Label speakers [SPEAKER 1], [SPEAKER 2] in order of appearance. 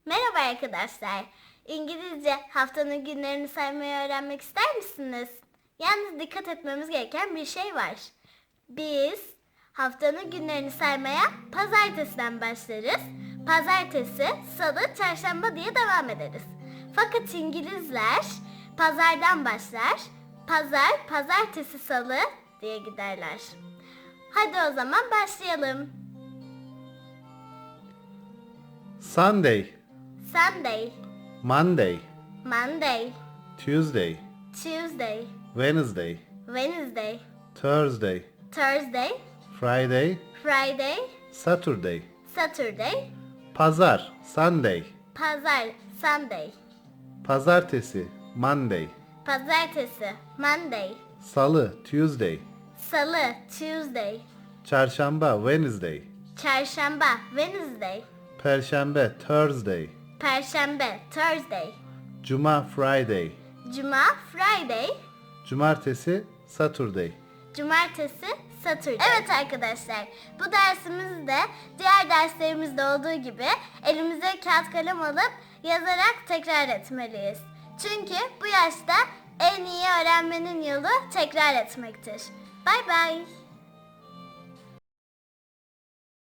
[SPEAKER 1] Merhaba arkadaşlar. İngilizce haftanın günlerini saymayı öğrenmek ister misiniz? Yalnız dikkat etmemiz gereken bir şey var. Biz haftanın günlerini saymaya pazartesiden başlarız. Pazartesi, salı, çarşamba diye devam ederiz. Fakat İngilizler pazardan başlar. Pazar, pazartesi, salı diye giderler. Hadi o zaman başlayalım.
[SPEAKER 2] Sunday,
[SPEAKER 1] Sunday,
[SPEAKER 2] Monday,
[SPEAKER 1] Monday,
[SPEAKER 2] Tuesday,
[SPEAKER 1] Tuesday,
[SPEAKER 2] Wednesday,
[SPEAKER 1] Wednesday,
[SPEAKER 2] Thursday,
[SPEAKER 1] Thursday,
[SPEAKER 2] Friday,
[SPEAKER 1] Friday,
[SPEAKER 2] Saturday,
[SPEAKER 1] Saturday,
[SPEAKER 2] Pazar, Sunday,
[SPEAKER 1] Pazar, Sunday,
[SPEAKER 2] Pazartesi, Monday,
[SPEAKER 1] Pazartesi, Monday,
[SPEAKER 2] Salı, Tuesday,
[SPEAKER 1] Salı, Tuesday,
[SPEAKER 2] Çarşamba, Wednesday,
[SPEAKER 1] Çarşamba, Wednesday,
[SPEAKER 2] Perşembe, Thursday,
[SPEAKER 1] Perşembe, Thursday,
[SPEAKER 2] Cuma, Friday,
[SPEAKER 1] Cuma, Friday,
[SPEAKER 2] Cumartesi, Saturday.
[SPEAKER 1] Cumartesi, Saturday. Evet arkadaşlar, bu dersimizde diğer derslerimizde olduğu gibi elimize kağıt kalem alıp yazarak tekrar etmeliyiz. Çünkü bu yaşta en iyi öğrenmenin yolu tekrar etmektir. Bye bye.